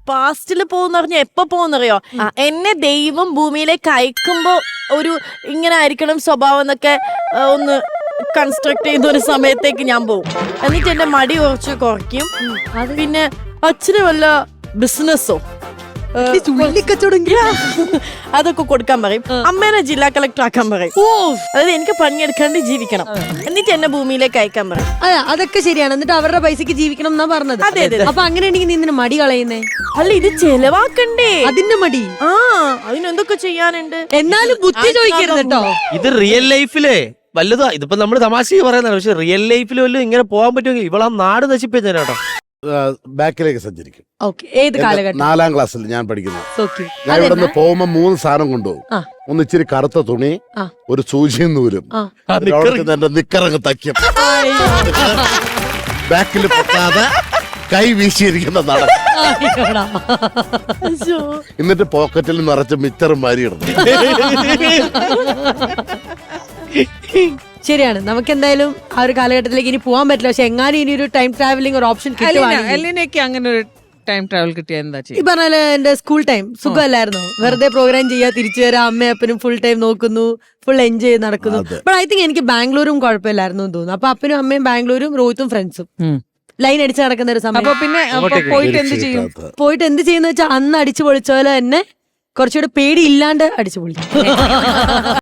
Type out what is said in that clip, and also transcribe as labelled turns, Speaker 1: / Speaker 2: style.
Speaker 1: പാസ്റ്റിൽ പോകുന്ന പറഞ്ഞ എപ്പോ പോകുന്നറിയോ? എന്നെ ദൈവം ഭൂമിയിലേക്ക് അയക്കുമ്പോ ഒരു ഇങ്ങനെ ആയിരിക്കണം സ്വഭാവം എന്നൊക്കെ ഒന്ന് കൺസ്ട്രക്ട് ചെയ്യുന്ന ഒരു സമയത്തേക്ക് ഞാൻ പോകും. എന്നിട്ട് എന്റെ മടി കുറച്ച് കുറയ്ക്കും. പിന്നെ അച്ഛന് വല്ല ബിസിനസ്സോ അതൊക്കെ കൊടുക്കാൻ പറയും. അമ്മേനെ ജില്ലാ കളക്ടർ ആക്കാൻ പറയും. അതായത് എനിക്ക് പണിയെടുക്കാണ്ട് ജീവിക്കണം. എന്നിട്ട് എന്നെ ഭൂമിയിലേക്ക് അയക്കാൻ പറയും.
Speaker 2: അതൊക്കെ ശരിയാണ്. എന്നിട്ട് അവരുടെ പൈസക്ക് ജീവിക്കണം എന്നാ പറഞ്ഞത്.
Speaker 1: അതെ അതെ.
Speaker 2: അപ്പൊ അങ്ങനെയാണെങ്കിൽ നീ നിന്നെ മടി കളയുന്നേ?
Speaker 1: അല്ല, ഇത് ചെലവാക്കണ്ടേ
Speaker 2: അതിന്റെ മടി.
Speaker 1: അതിനെന്തൊക്കെ ചെയ്യാനുണ്ട്.
Speaker 2: എന്നാലും ബുദ്ധി ചോദിക്കരുത് കേട്ടോ.
Speaker 3: ഇത് റിയൽ ലൈഫിലേ വല്ലതാ. ഇതിപ്പോ നമ്മള് തമാശ പറയുന്നതാണ്, പക്ഷെ റിയൽ ലൈഫിൽ വല്ലതും ഇങ്ങനെ പോകാൻ പറ്റുമെങ്കിൽ ഇവളാ നാട് നശിപ്പിച്ചേനെ കേട്ടോ.
Speaker 4: ബാക്കിലേക്ക് സഞ്ചരിക്കും.
Speaker 2: ഏത് കാലഘട്ടം?
Speaker 4: 4ാം ക്ലാസ്സിൽ ഞാൻ പഠിക്കുന്നത്. ഞാൻ ഇവിടെ നിന്ന് പോകുമ്പോ 3 സാധനം കൊണ്ടുപോകും. ഒന്ന് ഇച്ചിരി കറുത്ത തുണി, ഒരു സൂചിയും നൂലും, എന്റെ നിക്കറങ്ങ് തയ്ക്കും. ബാക്കിൽ പൊട്ടാതെ കൈ വീശിയിരിക്കുന്ന നട. എന്നിട്ട് പോക്കറ്റിൽ നിറച്ച് മിച്ചറും മാരിയിടുന്നു.
Speaker 2: ശരിയാണ്. നമുക്ക് എന്തായാലും ആ ഒരു കാലഘട്ടത്തിലേക്ക് ഇനി പോകാൻ പറ്റില്ല. പക്ഷെ എങ്ങാനും ഇനി ഒരു ടൈം ട്രാവലിംഗ് ഒരു ഓപ്ഷൻ
Speaker 5: എലിനൊക്കെ അങ്ങനെ ഒരു ടൈം ട്രാവൽ കിട്ടിയ എന്താ ചെയ്യും?
Speaker 2: ഈ പറഞ്ഞ എന്റെ സ്കൂൾ ടൈം സുഖമല്ലായിരുന്നോ? വെറുതെ പ്രോഗ്രാം ചെയ്യാ, തിരിച്ചു വരാം, അമ്മയും അപ്പനും ഫുൾ ടൈം നോക്കുന്നു, ഫുൾ എൻജോയ് ചെയ്ത് നടക്കുന്നു. ബട്ട് ഐ തിങ്ക് എനിക്ക് ബാംഗ്ലൂരും കുഴപ്പമില്ലായിരുന്നു എന്ന് തോന്നുന്നു. അപ്പൊ അപ്പനും അമ്മയും ബാംഗ്ലൂരും, റോഹിത്തും ഫ്രണ്ട്സും ലൈൻ അടിച്ച് നടക്കുന്ന ഒരു സമയം.
Speaker 5: അപ്പൊ പിന്നെ പോയിട്ട് എന്ത് ചെയ്യും?
Speaker 2: പോയിട്ട് എന്ത് ചെയ്യുന്ന വെച്ചാൽ അന്ന് അടിച്ചു പൊളിച്ച പോലെ തന്നെ കുറച്ചുകൂടെ പേടി ഇല്ലാണ്ട് അടിച്ചു പൊളിക്കും.